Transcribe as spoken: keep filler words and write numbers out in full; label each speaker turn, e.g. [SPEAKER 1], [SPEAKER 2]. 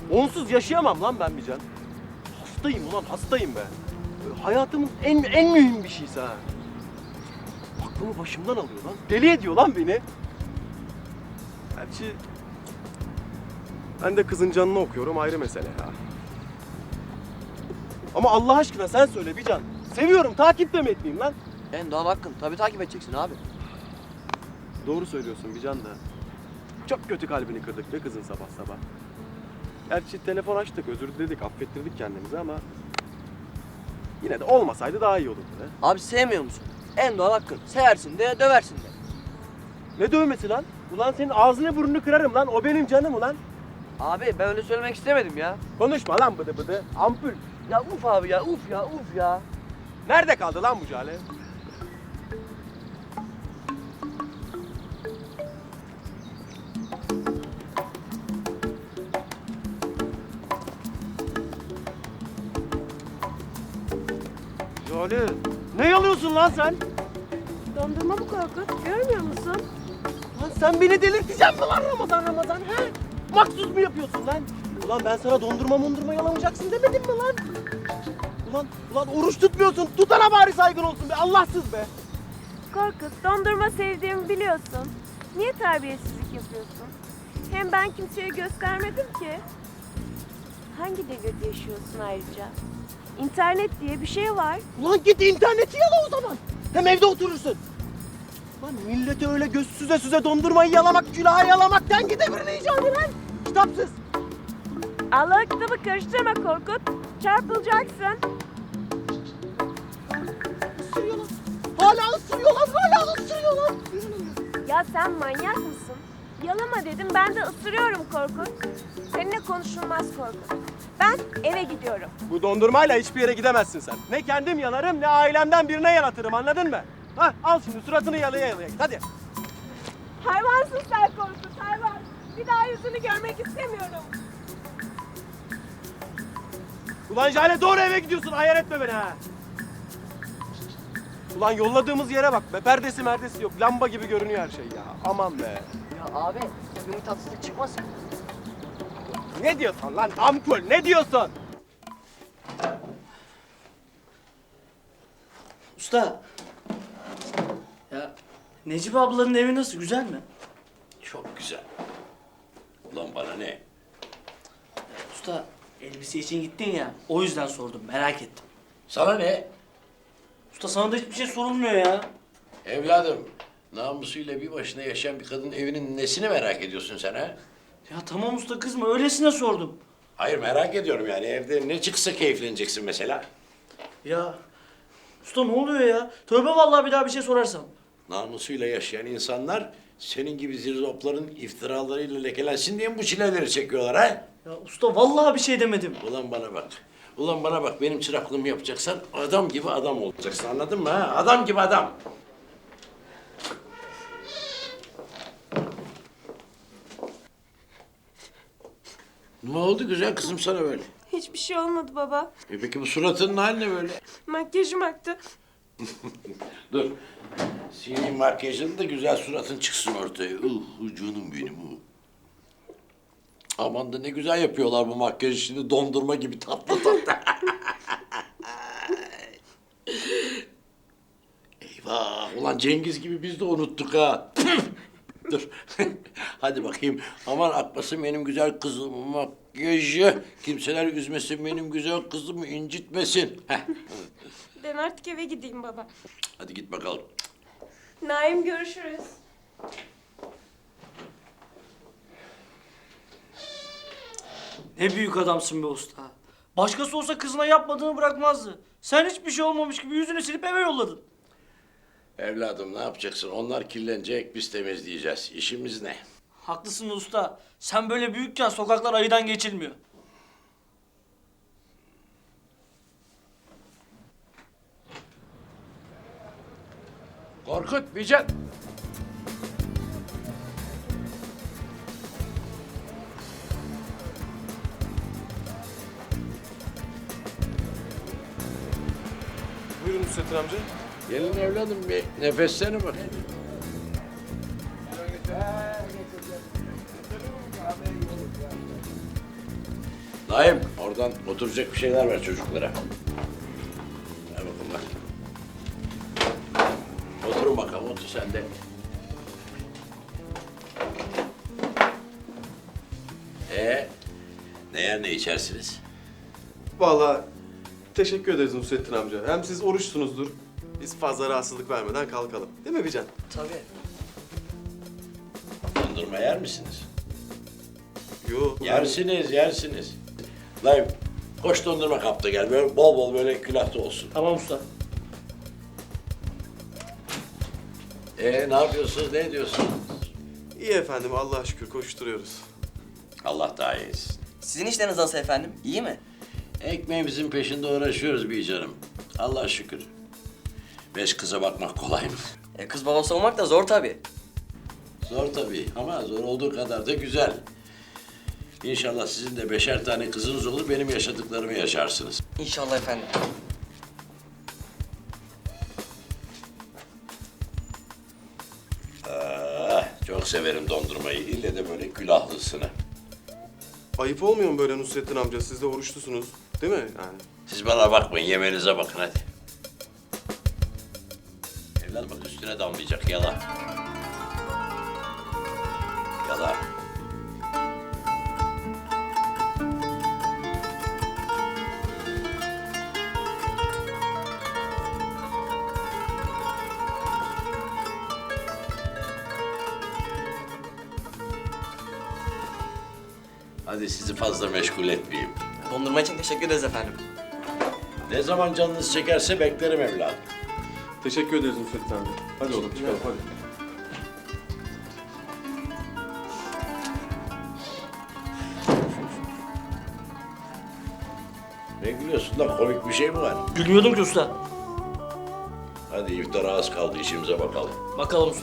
[SPEAKER 1] Onsuz yaşayamam lan ben Bican. Hastayım ulan, hastayım be. Böyle hayatımın en en mühim bir şeysi ha. Aklımı başımdan alıyor lan. Deli ediyor lan beni. Gerçi ben de kızın canını okuyorum, ayrı mesele ya. Ama Allah aşkına sen söyle Bican. Seviyorum, takip de mi etmeyeyim lan?
[SPEAKER 2] En doğal hakkın. Tabii takip edeceksin abi.
[SPEAKER 1] Doğru söylüyorsun Bican da. Çok kötü kalbini kırdık be kızın sabah sabah. Gerçi telefon açtık, özür diledik, affettirdik kendimizi ama... Yine de olmasaydı daha iyi olurdu be.
[SPEAKER 2] Abi sevmiyor musun? En doğal hakkın. Seversin de döversin de.
[SPEAKER 1] Ne dövmesi lan? Ulan senin ağzını burnunu kırarım lan, o benim canım ulan.
[SPEAKER 2] Abi ben öyle söylemek istemedim ya.
[SPEAKER 1] Konuşma lan bıdı bıdı, ampul.
[SPEAKER 2] Ya uf abi ya uf ya uf ya.
[SPEAKER 1] Nerede kaldı lan bu Cale? Cale, ne yalıyorsun lan sen?
[SPEAKER 3] Dondurma bu Korkut. Görmüyor musun?
[SPEAKER 1] Lan sen beni delirteceksin mi lan Ramazan Ramazan he? Maksuz mu yapıyorsun lan? Ulan ben sana dondurma mondurma yalamayacaksın demedim mi lan? Ulan, ulan oruç tutmuyorsun. Tutana bari saygın olsun be. Allahsız be.
[SPEAKER 3] Korkut, dondurma sevdiğimi biliyorsun. Niye terbiyesizlik yapıyorsun? Hem ben kimseye göstermedim ki. Hangi devirde yaşıyorsun ayrıca? İnternet diye bir şey var.
[SPEAKER 1] Ulan git interneti yala o zaman. Hem evde oturursun. Lan millete öyle göz süze süze dondurmayı yalamak, külahı yalamaktan gidebirini icat lan. Kitapsız.
[SPEAKER 3] Allah kitabı karıştırma Korkut. Çarpılacaksın.
[SPEAKER 1] Isırıyor lan. Hala ısırıyor lan. Hala ısırıyor lan.
[SPEAKER 3] Ya sen manyak mısın? Yalama dedim, ben de ısırıyorum Korkut. Seninle konuşulmaz Korkut. Ben eve gidiyorum.
[SPEAKER 1] Bu dondurmayla hiçbir yere gidemezsin sen. Ne kendim yalarım ne ailemden birine yalatırım, anladın mı? Hah, al şimdi suratını yalaya yalaya git hadi.
[SPEAKER 3] Hayvansın sen Korkut, hayvan. Bir daha yüzünü görmek istemiyorum.
[SPEAKER 1] Ulan Jale doğru eve gidiyorsun, ayar etme beni ha. Ulan yolladığımız yere bak be, perdesi merdesi yok, lamba gibi görünüyor her şey ya. Aman be.
[SPEAKER 2] Ya abi bir tatsızlık çıkmasın.
[SPEAKER 1] Ne diyorsun lan ampul, ne diyorsun?
[SPEAKER 4] Usta. Ya Necip ablanın evi nasıl? Güzel mi?
[SPEAKER 5] Çok güzel. Ulan bana ne?
[SPEAKER 4] Usta elbise için gittin ya. O yüzden sordum. Merak ettim.
[SPEAKER 5] Sana ne?
[SPEAKER 4] Usta sana da hiçbir şey sorulmuyor ya.
[SPEAKER 5] Evladım, namusuyla bir başına yaşayan bir kadın evinin nesini merak ediyorsun sen ha?
[SPEAKER 4] Ya tamam usta kızma. Öylesine sordum.
[SPEAKER 5] Hayır merak ediyorum yani evde ne çıksa keyifleneceksin mesela.
[SPEAKER 4] Ya usta ne oluyor ya? Tövbe vallahi bir daha bir şey sorarsam.
[SPEAKER 5] Namusuyla yaşayan insanlar senin gibi zirzopların iftiralarıyla lekelensin diye mi bu çileleri çekiyorlar ha?
[SPEAKER 4] Ya usta vallahi bir şey demedim.
[SPEAKER 5] Ulan bana bak. Ulan bana bak benim çıraklığımı yapacaksan adam gibi adam olacaksın anladın mı ha? Adam gibi adam. Ne oldu güzel kızım sana böyle?
[SPEAKER 3] Hiçbir şey olmadı baba.
[SPEAKER 5] E peki bu suratının hali ne böyle?
[SPEAKER 3] Makyajım aktı.
[SPEAKER 5] Dur. Sileyim makyajını da güzel suratın çıksın ortaya. Uh canım benim uh. Aman da ne güzel yapıyorlar bu makyajı şimdi dondurma gibi tatlı tatlı. Eyvah ulan Cengiz gibi biz de unuttuk ha. Dur. Hadi bakayım. Aman akmasın benim güzel kızım makyajı. Kimseler üzmesin benim güzel kızımı incitmesin. Heh.
[SPEAKER 3] Ben artık eve gideyim baba.
[SPEAKER 5] Hadi git bakalım.
[SPEAKER 3] Naim görüşürüz.
[SPEAKER 4] Ne büyük adamsın be usta. Başkası olsa kızına yapmadığını bırakmazdı. Sen hiçbir şey olmamış gibi yüzünü silip eve yolladın.
[SPEAKER 5] Evladım ne yapacaksın? Onlar kirlenecek, biz temizleyeceğiz. İşimiz ne?
[SPEAKER 4] Haklısın usta. Sen böyle büyükken sokaklar ayıdan geçilmiyor.
[SPEAKER 5] Korkut, Bican.
[SPEAKER 1] Buyurun Nusrettin amca.
[SPEAKER 5] Gelin evladım bir nefeslerine bak. Naim, oradan oturacak bir şeyler ver çocuklara. Ver bakalım bak. Oturun bakalım, otur sen de. Ee, ne yer ne içersiniz?
[SPEAKER 1] Vallahi teşekkür ederiz Nusrettin amca. Hem siz oruçsunuzdur. Biz fazla rahatsızlık vermeden kalkalım. Değil mi Bican?
[SPEAKER 2] Tabii.
[SPEAKER 5] Dondurma yer misiniz?
[SPEAKER 1] Yok.
[SPEAKER 5] Yersiniz, yersiniz. Naim, koş dondurma kapta gel. Böyle bol bol böyle külahta olsun.
[SPEAKER 4] Tamam usta.
[SPEAKER 5] Ee, ne yapıyorsunuz, ne ediyorsunuz?
[SPEAKER 1] İyi efendim, Allah'a şükür koşturuyoruz.
[SPEAKER 5] Allah daha iyi etsin.
[SPEAKER 2] Sizin işleriniz nasıl efendim? İyi mi?
[SPEAKER 5] Ekmeğimizin peşinde uğraşıyoruz bir canım. Allah'a şükür. Beş kıza bakmak kolay mı?
[SPEAKER 2] E, kız babası olmak da zor tabii.
[SPEAKER 5] Zor tabii ama zor olduğu kadar da güzel. İnşallah sizin de beşer tane kızınız olur, benim yaşadıklarımı yaşarsınız.
[SPEAKER 2] İnşallah efendim.
[SPEAKER 5] Ah, çok severim dondurmayı. İlle de böyle külahlısını.
[SPEAKER 1] Ayıp olmuyor mu böyle Nusrettin amca? Siz de oruçlusunuz. Değil mi yani?
[SPEAKER 5] Siz bana bakmayın, yemeğinize bakın hadi. Evladım bak üstüne damlayacak, yala. Yala. Hadi sizi fazla meşgul etmeyeyim.
[SPEAKER 2] Dondurma için teşekkür ederiz efendim.
[SPEAKER 5] Ne zaman canınız çekerse beklerim evladım.
[SPEAKER 1] Teşekkür ederiz Nusrettin amca. Hadi oğlum çıkalım hadi.
[SPEAKER 5] Ne gülüyorsun lan? Komik bir şey mi var?
[SPEAKER 4] Gülmüyordum ki usta.
[SPEAKER 5] Hadi iftara az kaldı, işimize bakalım.
[SPEAKER 4] Bakalım usta.